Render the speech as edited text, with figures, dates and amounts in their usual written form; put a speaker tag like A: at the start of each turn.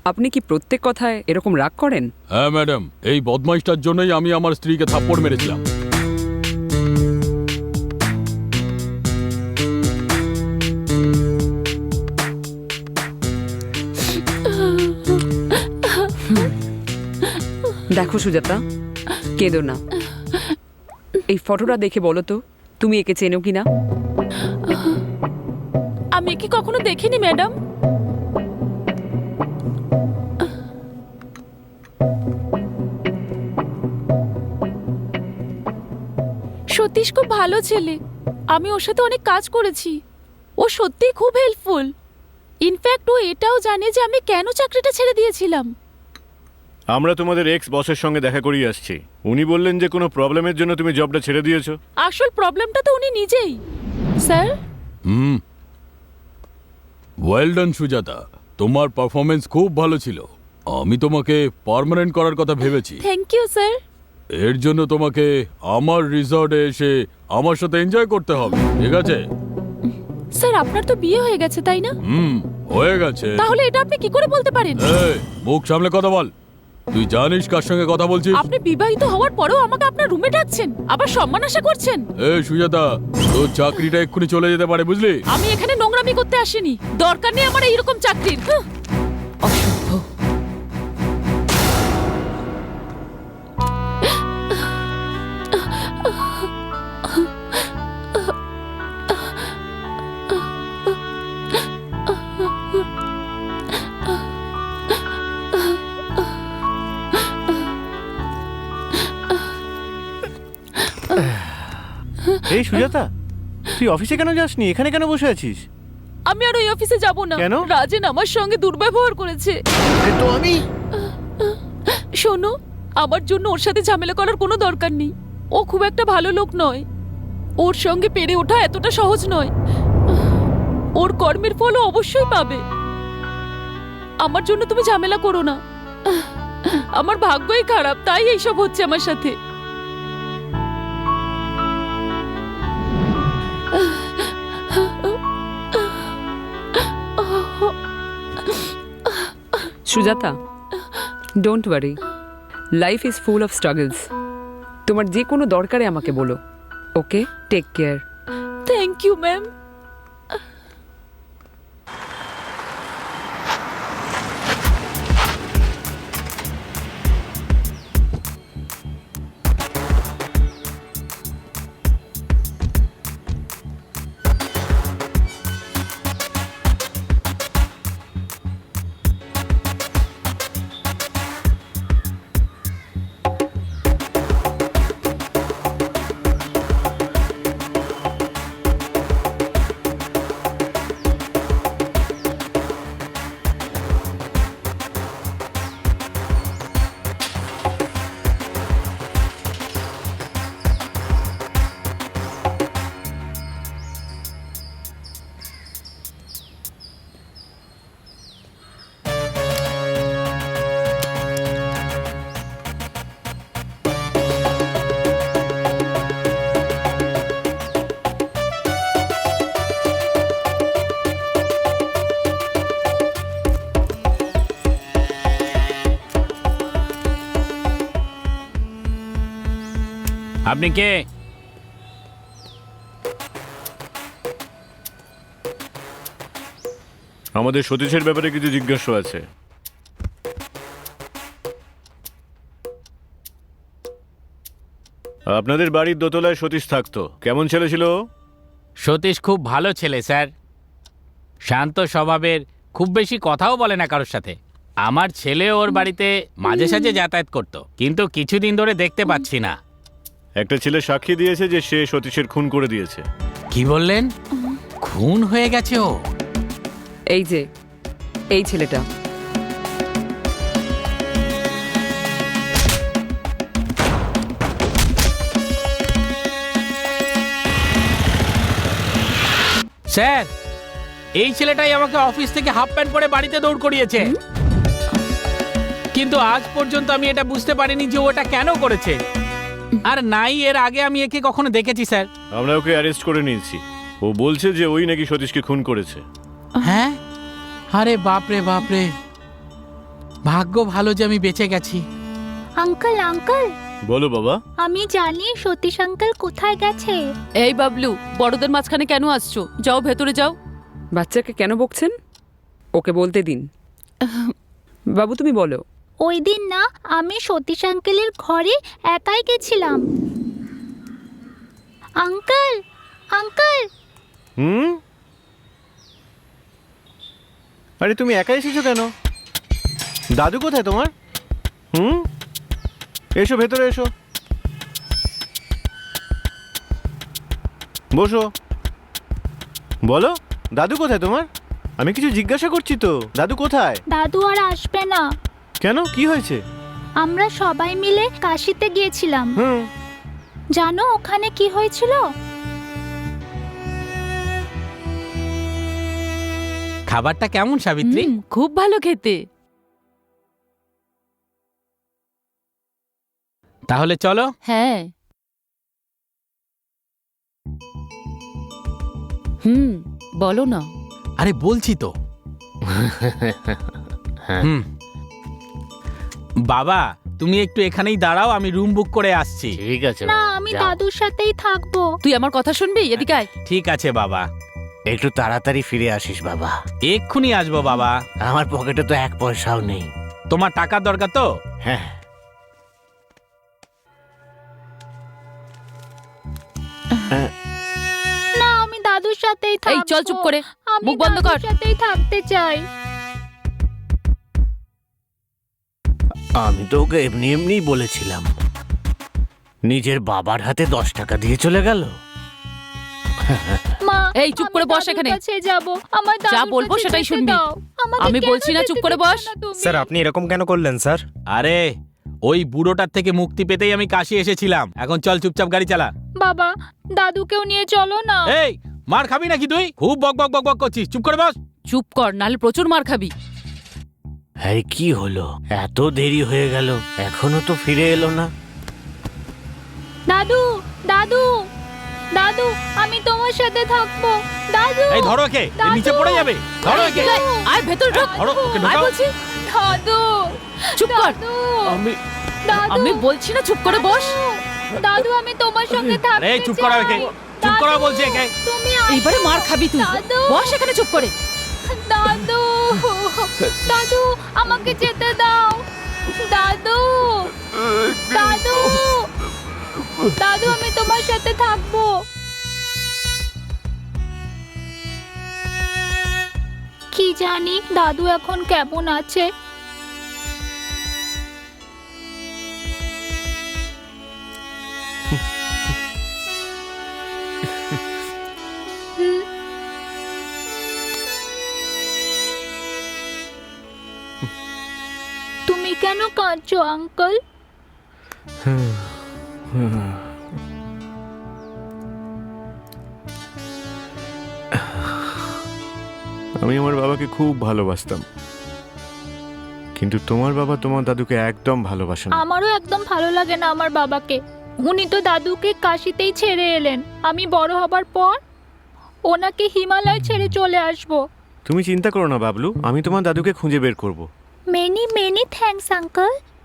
A: আপনি কি প্রত্যেক কথায় এরকম রাগ করেন?
B: হ্যাঁ ম্যাডাম, এই বদমাইশটার জন্যই আমি আমার স্ত্রীকে থাপ্পড় মেরেছিলাম।
A: দেখো সুজাতা, কেঁদো না। এই ফটোটা দেখে বলো তো, তুমি একে চেনো কিনা?
C: আমি কি কখনো দেখিনি ম্যাডাম। সতীশ খুব ভালো ছেলে, আমি ওর সাথে অনেক কাজ করেছি। ও সত্যিই খুব হেল্পফুল। ইনফ্যাক্ট ও এটাও জানে যে আমি কেন চাকরিটা ছেড়ে দিয়েছিলাম।
D: আমরা তোমাদের এক্স বসের সঙ্গে দেখা করিয়ে আসছি। উনি বললেন যে কোনো প্রবলেমের জন্য তুমি জবটা ছেড়ে দিয়েছো।
C: আসল প্রবলেমটা তো উনি নিজেই। স্যার,
B: ওয়েল ডান সুজাতা, তোমার পারফরমেন্স খুব ভালো ছিল। আমি তোমাকে পার্মানেন্ট করার কথা ভেবেছি।
C: Thank you sir.
B: এর জন্য তোমাকে আমার রিসর্টে এসে আমার সাথে এনজয় করতে হবে, ঠিক আছে?
C: স্যার, আপনার তো বিয়ে হয়ে গেছে তাই না?
B: হয়ে গেছে।
C: তাহলে এটা আপনি কি করে বলতে পারেন?
B: এই, মুখ সামলে কথা বল। তুই জানিস কার সঙ্গে কথা বলছিস?
C: আপনি বিবাহিত হওয়ার পরেও আমাকে আপনার রুমে ডাকছেন, আবার সম্মান আশা করছেন।
B: এই সুজাতা, তোর চাকরিটা এক্ষুনি চলে যেতে পারে, বুঝলি?
C: আমি এখানে নোংরামি করতে আসিনি। দরকার নেই আমার এইরকম চাকরির। অসভ্য।
D: এই সুজাতা, তুই অফিসে কেন যাসনি? এখানে কেন বসে আছিস?
C: আমি আর ওই অফিসে যাব না।
D: কেন?
C: রাজেন আমার সঙ্গে দুর্ব্যবহার করেছে।
D: তো আমি
C: শোনো, আমার জন্য ওর সাথে ঝামেলা করার কোনো দরকার নেই। ও খুব একটা ভালো লোক নয়। ওর সঙ্গে পেরে ওঠা এতটা সহজ নয়। ওর কর্মের ফল ও অবশ্যই পাবে। আমার জন্য তুমি ঝামেলা করো না। আমার ভাগ্যই খারাপ, তাই এইসব হচ্ছে আমার সাথে।
A: Sujata, don't worry, life is full of struggles. তোমার যে কোনো দরকারে আমাকে বলো, okay? Take care.
C: Thank you ma'am.
E: আপনি কে?
D: আমাদের সতীশের ব্যাপারে কিছু জিজ্ঞাসা আছে। আপনাদের বাড়ির দোতলায় সতীশ থাকতো, কেমন ছেলে ছিল ও?
E: সতীশ খুব ভালো ছেলে স্যার, শান্ত স্বভাবের, খুব বেশি কথাও বলে না কারোর সাথে। আমার ছেলে ওর বাড়িতে মাঝে সাঝে যাতায়াত করত, কিন্তু কিছুদিন ধরে দেখতে পাচ্ছি না।
D: একটা ছেলে সাক্ষী দিয়েছে যে সে সতীশের খুন করে দিয়েছে।
E: কি বললেন? খুন হয়ে গেছে ও?
A: এই যে এই ছেলেটা,
E: স্যার, এই ছেলেটাই আমাকে অফিস থেকে হাফ প্যান্ট পরে বাড়িতে দৌড় করিয়েছে। কিন্তু আজ পর্যন্ত আমি এটা বুঝতে পারিনি যে ওটা কেন করেছে। আর নাই এর আগে আমি একে কখনো দেখেছি স্যার।
D: আমরা ওকে অ্যারেস্ট করে নিয়েছি। ও বলছে যে ওই নাকি সতীশকে খুন করেছে।
E: হ্যাঁ? আরে বাপরে বাপরে, ভাগ্য ভালো যে আমি বেঁচে গেছি।
F: আঙ্কেল আঙ্কেল,
D: বলো বাবা।
F: আমি জানি সতীশ আঙ্কেল কোথায় গেছে।
C: এই বাবলু, বড়দের মাঝখানে কেন আসছো? যাও ভেতরে যাও।
A: বাচ্চাকে কেন বকছেন? ওকে বলতে দিন। বাবু তুমি বলো।
F: ওই দিন না আমি সতীশ আঙ্কেলের ঘরে একাই গেছিলাম। আঙ্কেল আঙ্কেল,
D: হুম, আরে তুমি একা এসেছো কেন? দাদু কোথায় তোমার? হুম, এসো ভেতরে এসো, বসো। বলো, দাদু কোথায় তোমার? আমি কিছু জিজ্ঞাসা করছি তো, দাদু কোথায়?
F: দাদু আর আসবে না।
D: কেন, কি হয়েছে?
F: আমরা সবাই মিলে কাশিতে গিয়েছিলাম।
D: হুম,
F: জানো ওখানে কি হয়েছিল?
E: খাবারটা কেমন সাবিত্রী?
C: খুব ভালো খেতে।
E: তাহলে চলো।
C: হ্যাঁ। বলো না।
E: আরে বলছি তো। হুম। বাবা তুমি একটু এখানেই দাঁড়াও, আমি রুম বুক করে আসছি।
G: ঠিক আছে
F: না,
G: বাবা,
F: আমি
G: যাও।
F: দাদুর সাথেই থাকবো।
C: তুই আমার কথা শুনবি? এদিকে আয়।
E: ঠিক আছে বাবা,
G: একটু তাড়াতাড়ি ফিরে আসিস বাবা।
E: এক্ষুনি আসবো বাবা।
G: আমার পকেটে তো 1 পয়সাও নেই।
E: তোমার টাকার দরকার তো?
G: হ্যাঁ,
F: না, আমি দাদুর সাথেই থাকবো।
C: এই চল চুপ করে,
F: আমি
C: মুখ বন্ধ কর।
F: দাদুর সাথেই থাকতে চাই।
G: আমি তো ওকে এমনি এমনিই বলেছিলাম। নিজের বাবার হাতে 10 টাকা দিয়ে চলে গেল।
F: মা,
C: এই, চুপ
F: আমি
C: করে বস
F: দাদুর
C: এখানে।
F: কাছে যাবো। আমার
C: যা
F: দাদুর
C: বলবো
F: কাছে
C: সেটাই
F: যেতে
C: শুনবি।
F: দাও। আমাকে
C: আমি
F: কেন
C: বলছি না, চুপ
F: যেতে
C: করে
F: দিচ্ছ
C: বস।
F: না তুমি?
H: স্যার আপনি এরকম কেন করলেন স্যার?
E: আরে ওই বুড়োটার থেকে মুক্তি পেতেই আমি কাশি এসেছিলাম। এখন চল চুপচাপ গাড়ি চালা।
F: বাবা, দাদুকেও নিয়ে চলো না।
E: এই মার খাবি নাকি তুই? খুব বক বক বক বক করছিস, চুপ করে বস।
C: চুপ কর, নাহলে প্রচুর মার খাবি।
G: আরে কি হলো, এত দেরি হয়ে গেল, এখনো তো ফিরে এলো না।
F: দাদু দাদু দাদু, আমি তোমার সাথে থাকবো। দাদু,
E: এই ধরো একে, এ নিচে পড়ে যাবে। ধরো একে।
C: এই, আয় ভেতর ঢোক।
E: ধরো, ওকে
C: আয়
E: ঢোকাও।
C: বলছি।
F: দাদু,
C: চুপ কর।
F: দাদু,
E: আমি
F: দাদু,
C: আমি বলছি না, চুপ করে বস।
F: দাদু, আমি তোমার সঙ্গে থাকতে
E: আরে চুপ করা একে,
F: চাই।
E: চুপ করা
F: দাদু,
E: বলছি একে।
F: তুমি আসো।
C: এইবারে মার খাবি তুই।
F: দাদু,
C: বস এখানে চুপ করে।
F: দাদু, দাদু, আমাকে যেতে দাও। দাদু, দাদু, দাদু, আমি তোমার সাথে থাকবো। কি জানি দাদু এখন কেমন আছে। তুমি কেন কাঁদছো আঙ্কেল?
D: আমি আমার বাবাকে খুব ভালোবাসতাম, কিন্তু তোমার বাবা তোমার দাদুকে একদম ভালোবাসে না।
F: আমারও একদম ভালো লাগে না আমার বাবাকে। উনি তো দাদুকে কাশিতেই ছেড়ে এলেন। আমি বড় হবার পর ওনাকে হিমালয় ছেড়ে চলে আসব।
D: তুমি চিন্তা করো না বাবলু, আমি তোমার দাদুকে খুঁজে বের করব।
F: Many many thanks uncle.